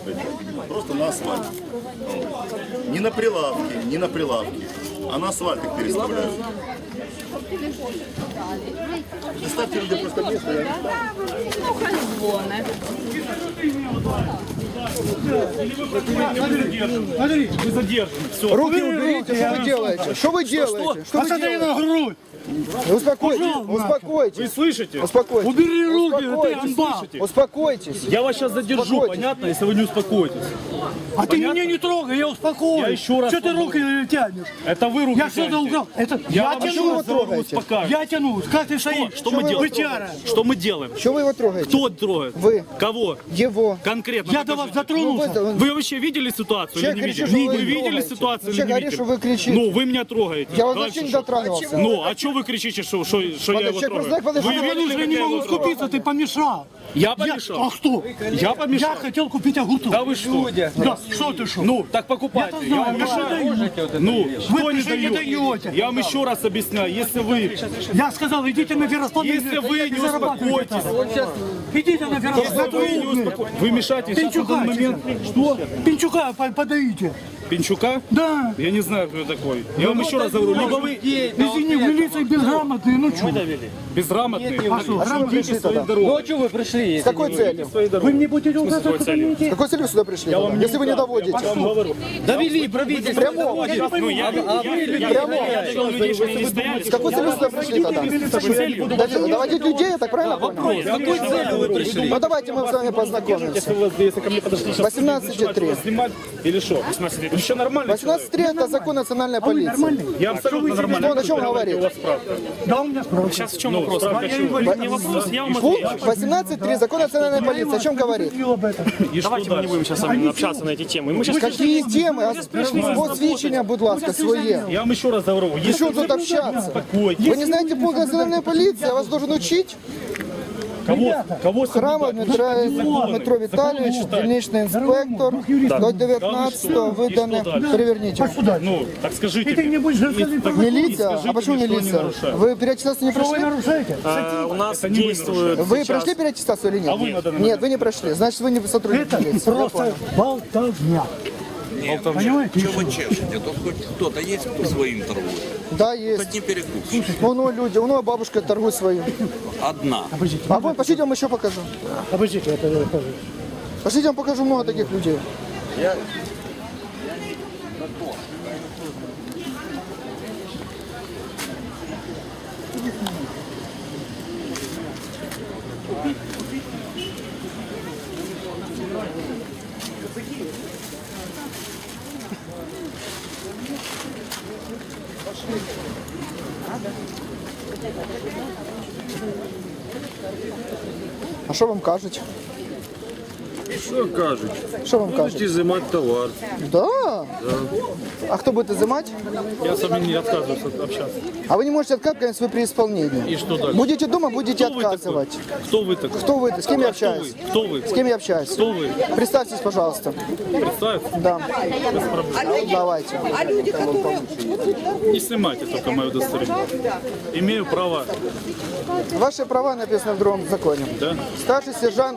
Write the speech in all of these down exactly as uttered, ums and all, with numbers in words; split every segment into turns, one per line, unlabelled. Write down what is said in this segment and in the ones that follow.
Просто на асфальте. Не на прилавке, не на прилавке, а на асфальте их переставляют. Заставьте людей просто место, я не
Смотри, вы задержаны. Все.
Руки уберите, что вы делаете? Что вы делаете? Что вы
Посмотри
делаете?
на грудь.
Успокойтесь,
Пошел
успокойтесь.
Вы слышите?
Успокойтесь.
Убери руки, ты
Успокойтесь.
амбал.
Успокойтесь.
Я вас сейчас задержу,
Успокойтесь.
понятно, если вы не успокоитесь. А ты меня не трогай, я успокоюсь.
Я
еще раз Что ты руки тянешь? Это вы руки
Я что-то
тянете.
украл. Это
Я,
я
вам
тяну,
еще
вы
раз говорю,
трогаете.
успокаиваюсь. Я тяну. Как ты стоишь?
Что
Что мы
вы
делаем?
его трогаете?
Что мы делаем?
Что вы его трогаете?
Кто трогает?
Вы.
Кого?
Его.
Конкретно.
Я до вас дотронулся.
Ну, вы, вы вообще видели ситуацию
Человек
или не
кричит,
видели?
что вы
Вы видели
трогаете.
ситуацию
Человек
или не
говорит,
видели?
что вы кричите.
Ну, вы меня трогаете.
Я вас
Дальше
вообще не
что?
дотрагивался.
Ну, а что вы кричите, что, что, что я его
человек
трогаю?
просто так
Вы
подошел,
видели,
я
как
не
я
могу
его трогаю?
скупиться, ты помешал.
Я помешал?
Я, а кто?
Я помешал?
Я хотел купить огурцов.
Да вы что?
Да, что ты что?
Ну, так покупайте.
Я-то
Я
знаю,
вам
я
мешаю.
даю.
Ну,
Вы
что не
пришли, не
даю?
даете.
Я вам еще раз объясняю. Если вы,
Я сказал, идите на Верославль.
если вы не успокоитесь,
Идите на
если вы не
Верославль.
успокоитесь, вы мешаете сейчас в
Пинчука.
данный момент. Что?
Пинчука по- подаите.
Пинчука?
Да.
Я не знаю, кто такой. Я вам еще раз говорю, либо вы
Извини, в милиции безграмотные, ну что?
безграмотные,
А что?
идите своей дорогой.
Ну а что вы пришли?
С какой целью?
Вы мне будете указывать,
С какой целью сюда пришли? Если вы не доводите.
Я вам говорю.
Довели правительство.
Прямо.
Ну, я, я,
а вы
я,
прямо.
я довел людей, чтобы они не стояли.
С какой целью сюда пришли тогда? Дов- Доводить людей, я так правильно понял?
С какой целью вы пришли?
Ну давайте мы с вами познакомимся.
Если, вы, если ко мне подошли сейчас
восемнадцать три.
снимать или что? Еще нормально.
восемнадцать три это закон национальной полиции.
Я абсолютно нормально.
Что он о чем говорит?
У вас справка.
Да, у меня справка.
Сейчас в чем вопрос? Не вопрос, я вам
Пункт
отвечу.
восемнадцать три закон национальной полиции. О чем говорит?
И что
Давайте мы не
дальше?
будем сейчас с вами общаться на эти темы. Мы сейчас
Какие темы? Посвідчення, будь ласка, своє.
Я вам еще раз говорю.
При
Если
чем тут общаться?
успокойтесь.
Вы не знаете пункт национальной полиции? Я вас должен учить.
Кого? Кого
Храма
соблюдать?
Дмитра,
Законы.
Дмитро Віталійович,
Законы
дільничний інспектор, до дев'ятнадцятого видане. Переверніть.
Ну, так скажите.
Ты не будешь рассказывать про милиция?
скажите
А почему
мне, что они
милиция?
нарушают.
Вы переаттестацию не прошли?
э, у нас
Это не вы
действует
Вы
сейчас...
прошли переаттестацию или нет?
А вы на данный
Нет, вы не прошли. Значит, вы не сотрудник милиции. Я понял.
болтовня.
Понимаете?
Чего вы чешете? Тут хоть кто-то есть, кто своим торгует?
Да, есть.
Хоть не перекупщик.
Вон у люди, у него бабушка торгует свою.
Одна.
А вон, пошлите, я вам еще покажу.
Обождите, это я покажу.
Пошлите, я вам покажу много таких людей. А що вам кажуть?
Що кажуть?
Що вам
Будуть
кажуть?
ізимати товар.
Да? А кто будет изымать?
Я с вами не отказываюсь от- общаться.
А вы не можете отказывать, если вы при исполнении.
И что дальше?
Будете дома, будете
Кто вы такой?
отказывать.
Кто вы такой?
Кто вы? С кем я
А кто
общаюсь?
вы? Кто вы?
С кем я общаюсь?
Кто вы?
Представьтесь, пожалуйста.
Представьте.
Да. Давайте.
Не снимайте только мое удостоверение. Имею право.
Ваши права написаны в другом законе.
Да?
Старший сержант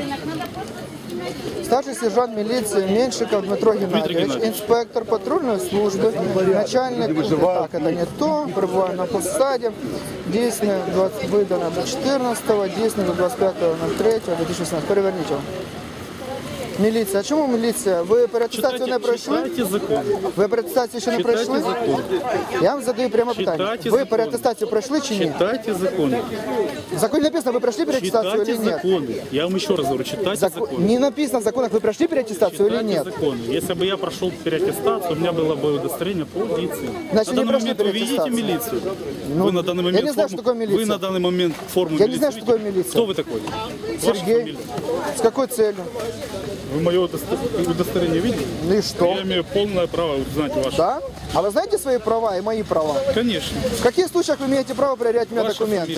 Старший сержант милиции Меньшиков Дмитро Геннадьевич,
Геннадьевич.
инспектор патрульной службы, начальник, так, это не то, пребываю на посаде, действие двадцать, выдано до четырнадцатого, действие до двадцать пятого ноль третьего две тысячи шестнадцатого. Переверните его. Міліція. А чому міліція? Ви переатестацію не пройшли?
Читайте закон.
Ви переатестацію ще не
Читайте
пройшли?
закон.
Я вам задаю прямо питання.
Читайте
Ви
закон.
переатестацію пройшли чи ні?
Читайте законы.
В законе написано, вы прошли переаттестацию
Читайте
или нет?
законы. Я вам еще раз говорю, читайте
Закон-
законы.
Не написано в законах, вы прошли переаттестацию или
Читайте
нет?
законы. Если бы я прошел переаттестацию, у меня было бы удостоверение полиции.
Значит,
на
не
данный
прошли
момент вы видите
переаттестацию.
милицию?
Ну,
вы на данный
я
момент
не знаю,
форму-
что такое милиция.
Вы на данный момент форму
Я не знаю,
милиции
что такое
видите?
милиция.
Кто вы такой? Ваша
Сергей.
фамилия?
С какой целью?
Вы мое удосто- удостоверение видите?
Ну и что?
Я имею полное право узнать ваше.
Да? А вы знаете свои права и мои права?
Конечно.
В каких случаях вы имеете право проверять у меня
Ваша
документы?
фамилия?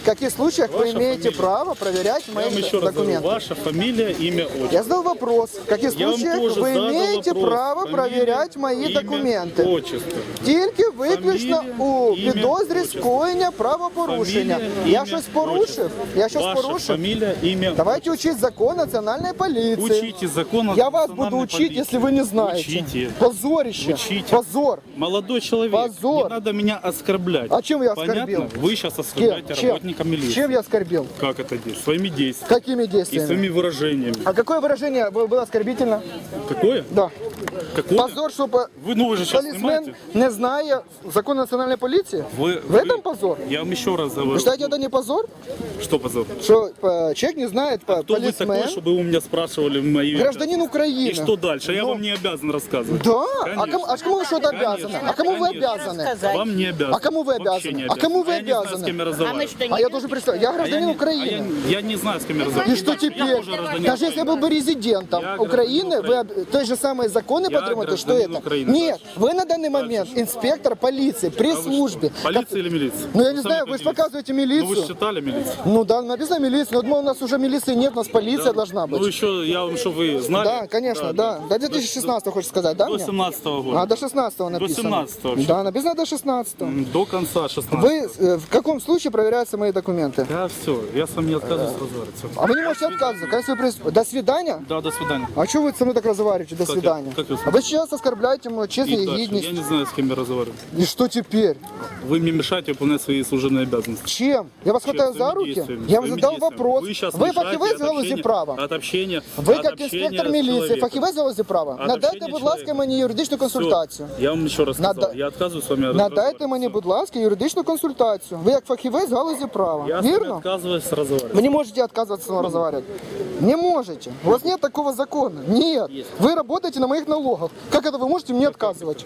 в каких случаях вы
Ваша
имеете
фамилия.
право проверять мои
Я вам еще раз говорю,
документы?
ваша фамилия, имя, отчество.
Я задал вопрос, в каких
Я вам
случаях
тоже
вы
задал
имеете
вопрос.
право
Фамилия,
проверять мої
имя,
документи?
отчество.
Тільки виключно
Фамілія,
у
ім'я,
підозрі
отчество.
скоєння правопорушення.
Фамилия,
Я
имя,
щось порушив?
отчество.
Я щось
Ваша
порушив?
фамилия, имя,
Давайте учить закон национальной полиции.
Учите закон о
Я вас
национальной
буду учить,
полиции.
если вы не знаете.
Учите.
Позорище.
Учите.
Позор.
Молодой человек,
Позор.
не надо меня оскорблять.
А чем я
Понятно?
оскорбил?
Вы сейчас
Кем?
оскорбляете
Чем?
работника милиции.
Чем я оскорбил?
Как это действует? Своими действиями.
Какими
И
действиями?
своими выражениями.
А какое выражение было было оскорбительно?
Какое?
Да.
Какое?
Позор, что по-
Вы, ну вы же сейчас
полисмен
снимаете.
не знає закон национальной полиции?
Вы,
В этом позор?
Я вам еще раз говорю.
Вы считаете, это не позор?
Что позор?
Что э, человек не знает по
Кто вы
полисмен,
такой, чтобы вы у меня спрашивали мои...
гражданин Украины.
И что дальше? Я
Ну,
вам не обязан рассказывать.
Да? А
Конечно.
кому, а кому вы что-то
Конечно.
обязаны? А кому вы
Конечно.
обязаны?
Вам не обязан.
А кому вы
Вообще
обязаны?
не
А кому вы
Я не знаю,
обязаны?
с кем я разговариваю.
А я должен представить, я
А я
гражданин
не-
Украины.
а я, я не знаю, с кем я разговариваю.
И что
Я
теперь?
тоже гражданин
Даже если я был бы резидентом
Я
Украины,
гражданин
вы об- те же самые законы
Я
подтримуете, что
гражданин
это?
Украины.
Нет, вы на данный момент инспектор полиции при
А вы
службе.
что, полиция или милиция?
Ну я не
Сами
знаю, вы же
определитесь.
показываете
Ну вы
милицию.
же читали милицию?
Ну да, написано милиция. Но я думал, у нас уже милиции нет, у нас полиция должна быть.
Ну еще, я вам, чтобы вы знали.
Да, конечно, да. До две тысячи шестнадцатого хочешь сказать, да?
До
мне?
семнадцатого года.
А, до шестнадцатого написано.
семнадцатого вообще.
Да, написано до шестнадцатого.
М, До конца шестнадцатого.
Вы э, в каком случае проверяются мои документы?
Да, все, я с вами не отказываюсь разговаривать. Всё.
А вы не можете отказываться. Конечно, вы прис- До свидания?
Да, до свидания.
А что вы со мной так разговариваете? До
Как я-
свидания.
как я с
А вы сейчас оскорбляете мою честь и
И дальше.
гидность.
Я не знаю, с кем я разговариваю.
И что теперь?
Вы мне мешаете выполнять свои служебные обязанности.
Чем? Я вас хватаю за
Своими
руки?
действиями,
Я вам
своими
задал
действиями.
вопрос.
Вы, сейчас
Ви
мешаете
фахівець
от
в галузі
общения-
права?
От общения,
Ви
от
як
общения
інспектор
с
міліції,
человеком.
фахівець в галузі права?
От
Надайте,
общения
будь ласка,
человека.
мені юридичну консультацію.
Я вам еще раз сказал,
Нада-
я отказываюсь с вами
Надайте
разговаривать.
мені, будь ласка, юридичну консультацію. Ви як фахівець в галузі права.
Я с вами
Вірно?
отказываюсь разговаривать.
Вы не можете отказываться со мной разговаривать. Не можете. У вас нет такого закона. Нет. Вы работаете на моих налогах. Как это вы можете мне отказывать?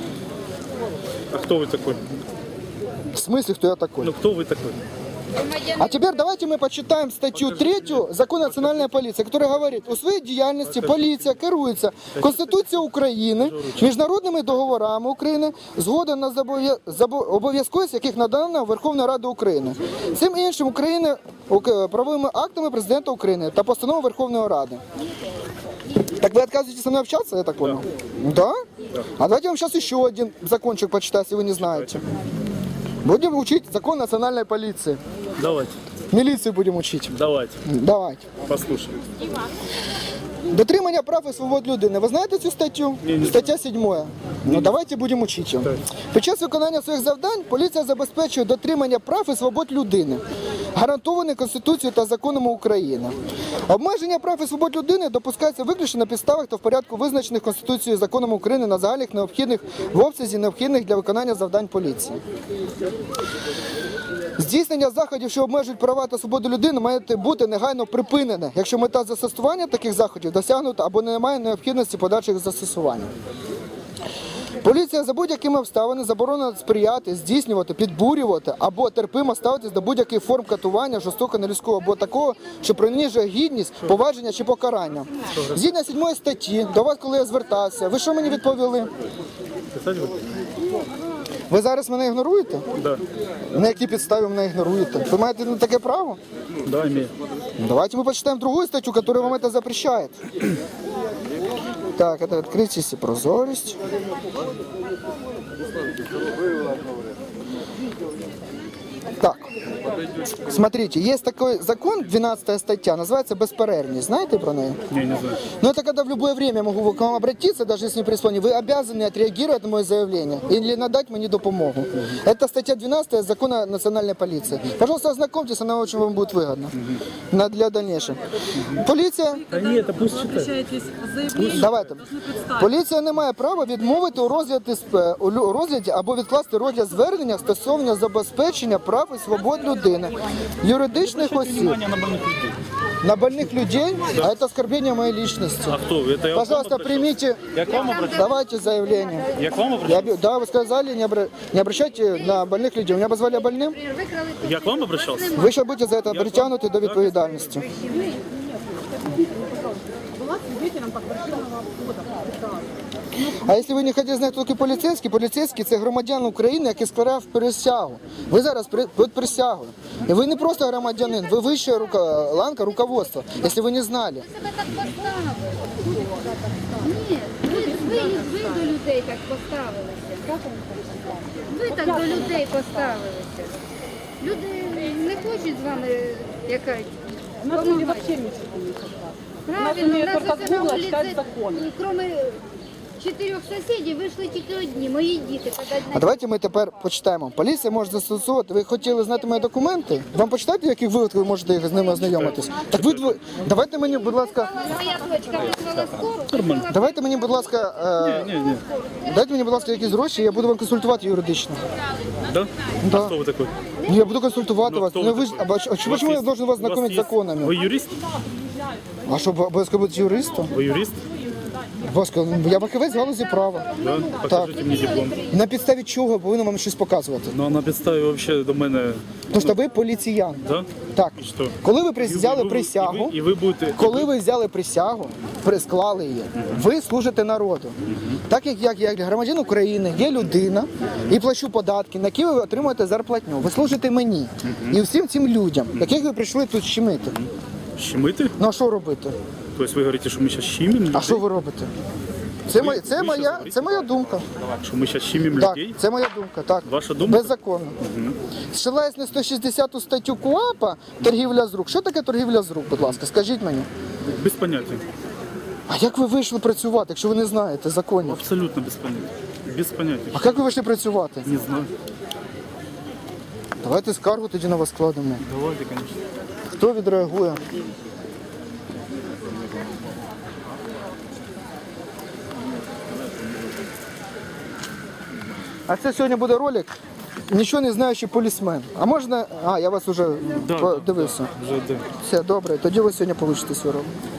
А кто вы такой?
В смысле, кто я такой?
Ну кто вы такой?
А теперь давайте мы почитаем статью третью Закону национальной полиции, которая говорит, у своїй діяльності поліція керується Конституцією України, міжнародними договорами України, згода на забов'я- забо- обов'язковість яких надана Верховною Радою України. Цим іншим України ук- правовими актами Президента України та постановою Верховної Ради. Так вы отказываетесь со мной общаться, я так понял? Да? А давайте я вам сейчас еще один закончик почитаю, если вы не знаете. Будем учить закон национальной полиции.
Давайте,
Милицию будем учить.
давайте,
Давайте.
послушаем.
Дотримання прав і свобод людини. Ви знаєте цю статтю? Стаття сьома. Ну давайте будемо вчити її. Під час виконання своїх завдань поліція забезпечує дотримання прав і свобод людини, гарантовані Конституцією та законами України. Обмеження прав і свобод людини допускається виключно на підставах та в порядку визначених Конституцією і законами України на загальних необхідних в обсязі необхідних для виконання завдань поліції. Здійснення заходів, що обмежують права та свободу людини, має бути негайно припинене, якщо мета застосування таких заходів досягнута або немає необхідності подальших застосування. Поліція за будь-якими обставинами заборонена сприяти, здійснювати, підбурювати або терпимо ставитись до будь-яких форм катування, жорстокого, нелюдського або такого, що принижує гідність, поваження чи покарання. Згідно сьомої статті, до вас, коли я звертався, ви що мені відповіли?
Писать вы?
Ви зараз мене ігноруєте?
Да.
На якій підставі мене ігноруєте? Ви маєте на таке право?
Да, имею.
Давайте мы почитаем другую статью, которая вам это запрещает. Так, это открытие и прозорість. Так, смотрите, есть такой закон, двенадцатая статья, называется «Бесперервность». Знаете про нее?
Не, не знаю.
Но это когда в любое время могу к вам обратиться, даже если не прислонить, вы обязаны отреагировать на мое заявление или надать мне допомогу. Это статья двенадцатая Закона национальной полиции. Пожалуйста, ознакомьтесь, она очень вам будет выгодна на- для дальнейшего. Полиция,
Да нет, это пусть читает.
Обращаетесь з заявленням,
давайте.
должны представить.
Поліція не має права відмовити у розгляді, сп- у лю- розгляді або відкласти розгляд звернення стосовно забезпечення прав і свобод людини, юридичних осіб,
Внимание на больных людей.
на больных людей, а это оскорбление моей личности.
А кто? Это я к вам
Пожалуйста,
обращался?
примите,
Я к вам обращался?
давайте заявление.
Я к вам
Я,
обращался?
б- да, вы сказали, не, обра- не обращайте на больных людей. Меня позвали больным.
Я к вам обращался?
Вы сейчас будете за это притянуты до відповідальності.
Була свидетелем
А якщо ви не хочете знати, хто такий поліцейський, поліцейський – це громадян України, який складав присягу. Ви зараз при- під присягою. І ви не просто громадянин, ви вища рука, ланка руководства, якщо ви не знали.
себе так поставили. Ні, ви, ви, ви до людей так поставилися. Ви так до людей поставилися. Люди не хочуть з вами якась допомагати. Правильно, у нас ось на вулиці, крім чотирьох сусідів, вийшли тільки одні, мої діти.
А давайте ми тепер почитаємо. Поліція може застосовувати. Ви хотіли знати мої документи? Вам почитати, в яких випадках ви можете з ними ознайомитись? Так ви дво- давайте мені, будь ласка,
Моя дочка визвала скору.
давайте мені, будь ласка, е,
Ні, ні.
дайте мені, будь ласка, якісь гроші, я буду вам консультувати юридично.
Да?
Да.
Кто вы такой?
Ну, я буду консультувати
Ну,
вас.
кто
Ну,
вы
ви ж, а, бач- а чому я должен вас
у вас
знакомить з
есть-
законами?
Вы юрист?
А що, обов'язково бути юристом?
Вы юрист?
Будь ласка, я фахівець в галузі права.
Да? Покажите мне диплом.
На підставі чого повинен вам щось показувати?
Ну а на підставі вообще до мене.
Тому що ви поліціян.
Да?
Так.
І що?
Коли ви
І ви-
взяли
і ви-
присягу,
І ви, і ви будете.
коли ви взяли присягу, присклали її, ви служите народу. Так як я, як громадян України, є людина і плачу податки, на які ви отримуєте зарплатню. Ви служите мені і всім цим людям, яких ви прийшли тут щемити.
Щемити?
Ну а що робити?
Тобто ви говорите, що ми зараз щемимо?
А що ви робите? Це, моя, це,
ви
моя,
щас говорите?
це моя думка.
Що ми зараз щемимо
Так,
людей?
це моя думка. Так.
Ваша думка?
Беззаконно. Зсилаюсь на сто шістдесяту статтю КУАПа торгівля з рук. Що таке торгівля з рук, будь ласка, скажіть мені.
Без поняття.
А як ви вийшли працювати, якщо ви не знаєте законів?
Абсолютно без поняття. Без поняття.
А як ви вийшли працювати?
Не знаю.
Давайте скаргу тоді на вас складемо.
Давайте, конечно.
Хто відреагує? А це сьогодні буде ролик «Нічого не знаючий полісмен». А можна... А, я вас вже
Да,
подивився.
Вже де.
Все, добре, тоді ви сьогодні получите свій ролик.